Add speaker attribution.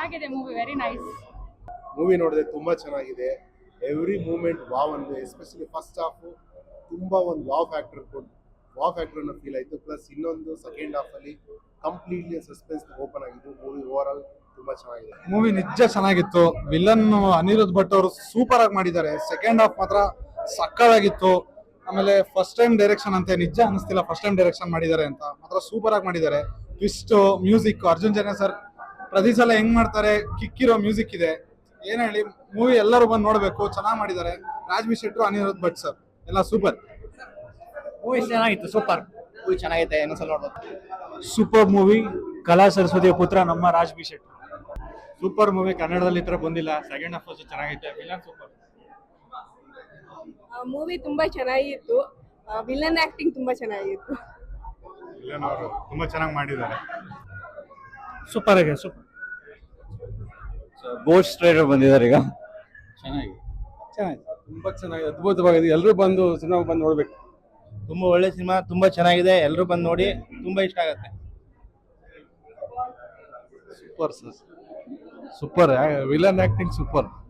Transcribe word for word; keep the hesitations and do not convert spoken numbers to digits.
Speaker 1: ಚೆನ್ನಾಗಿದೆ movie, very nice.
Speaker 2: Movie ನೋಡಿದೆ, ತುಂಬಾ ಚೆನ್ನಾಗಿದೆ. ಎವ್ರಿ ಮೂಮೆಂಟ್ ವಾವ್ ಅಂದ್ರೆ, ಎಸ್ಪೆಷಲಿ ಫಸ್ಟ್ ಹಾಫ್ ತುಂಬಾ ಒಂದು ವಾವ್ ಫ್ಯಾಕ್ಟರ್ ಕೊಟ್ಟು ವಾವ್ ಫ್ಯಾಕ್ಟರ್ ಅನ್ನೋ ಫೀಲ್ ಆಯ್ತು. ಪ್ಲಸ್ ಇನ್ನೊಂದು ಸೆಕೆಂಡ್ ಹಾಫ್ ಅಲ್ಲಿ ಕಂಪ್ಲೀಟ್ಲಿ ಸಸ್ಪೆನ್ಸ್ ಓಪನ್ ಆಗಿದ್ದು. ಮೂವಿ ಓವರ್ ಆಲ್ ತುಂಬಾ ಚೆನ್ನಾಗಿದೆ.
Speaker 3: ಮೂವಿ ನಿಜ ಚೆನ್ನಾಗಿತ್ತು. ವಿಲನ್ ಅನಿರುದ್ಧ್ ಭಟ್ ಅವರು ಸೂಪರ್ ಆಗಿ ಮಾಡಿದ್ದಾರೆ. ಸೆಕೆಂಡ್ ಹಾಫ್ ಮಾತ್ರ ಸಕ್ಕತ್ತಾಗಿತ್ತು. ಆಮೇಲೆ ಫಸ್ಟ್ ಟೈಮ್ ಡೈರೆಕ್ಷನ್ ಅಂತೆ, ನಿಜ ಅನಿಸ್ತಿಲ್ಲ ಫಸ್ಟ್ ಟೈಮ್ ಡೈರೆಕ್ಷನ್ ಮಾಡಿದ್ದಾರೆ ಅಂತ. ಮಾತ್ರ ಸೂಪರ್ ಆಗಿ ಮಾಡಿದ್ದಾರೆ. Twist, music, Arjun Janya sir ಪ್ರತಿ ಸಲ ಹೆಂಗ್ ಮಾಡ್ತಾರೆ, ಕಿಕ್ಕಿರೋ ಮ್ಯೂಸಿಕ್ ಇದೆ. ಏನ್ ಹೇಳಿ, ಮೂವಿ ಎಲ್ಲರೂ ಬಂದು ನೋಡ್ಬೇಕು, ಚೆನ್ನಾಗಿ ಮಾಡಿದ್ದಾರೆ. ರಾಜ್ಬಿ ಶೆಟ್ರು, ಅನಿರುದ್ಧ್ ಭಟ್ ಸರ್ ಎಲ್ಲ ಸೂಪರ್.
Speaker 4: ಮೂವಿ ಚೆನ್ನಾಗಿತ್ತು, ಸೂಪರ್ ಮೂವಿ ಚೆನ್ನಾಗೈತೆ, ಇನ್ನೊಂದ್ಸಲ ನೋಡ್ಬೇಕು.
Speaker 5: Super movie. ಕಲಾ ಸರಸ್ವತಿಯ ಪುತ್ರ ನಮ್ಮ ರಾಜ್ಬಿ ಶೆಟ್ಟಿ.
Speaker 3: Super movie. ಕನ್ನಡದಲ್ಲಿ ಈ ತರ ಬಂದಿಲ್ಲ. ಸೆಕೆಂಡ್ ಹಾಫ್ ಚೆನ್ನಾಗೈತೆ. Villain super.
Speaker 6: ಮೂವಿ ತುಂಬಾ ಚೆನ್ನಾಗಿತ್ತು. ವಿಲನ್ ಆಕ್ಟಿಂಗ್ ತುಂಬಾ ಚೆನ್ನಾಗಿತ್ತು.
Speaker 3: ವಿಲನ್ ಅವರು ತುಂಬಾ ಚೆನ್ನಾಗಿ ಮಾಡಿದ್ದಾರೆ.
Speaker 5: ಸೂಪರ್ ಆಗಿದೆ, ಸೂಪರ್.
Speaker 4: ಗೋಸ್ಟ್ ರೈಡರ್ ಬಂದಿದ್ದಾರೆ ಈಗ.
Speaker 3: ಚೆನ್ನಾಗಿ ಚೆನ್ನಾಗಿ ತುಂಬಾ ಚೆನ್ನಾಗಿದೆ, ಅದ್ಭುತವಾಗಿದೆ. ಎಲ್ಲರೂ ಬಂದು ಸಿನಿಮಾ ಬಂದು ನೋಡ್ಬೇಕು.
Speaker 4: ತುಂಬಾ ಒಳ್ಳೆ ಸಿನಿಮಾ, ತುಂಬಾ ಚೆನ್ನಾಗಿದೆ. ಎಲ್ಲರೂ ಬಂದು ನೋಡಿ, ತುಂಬಾ ಇಷ್ಟ ಆಗುತ್ತೆ.
Speaker 3: Super sir, super. Villain acting super.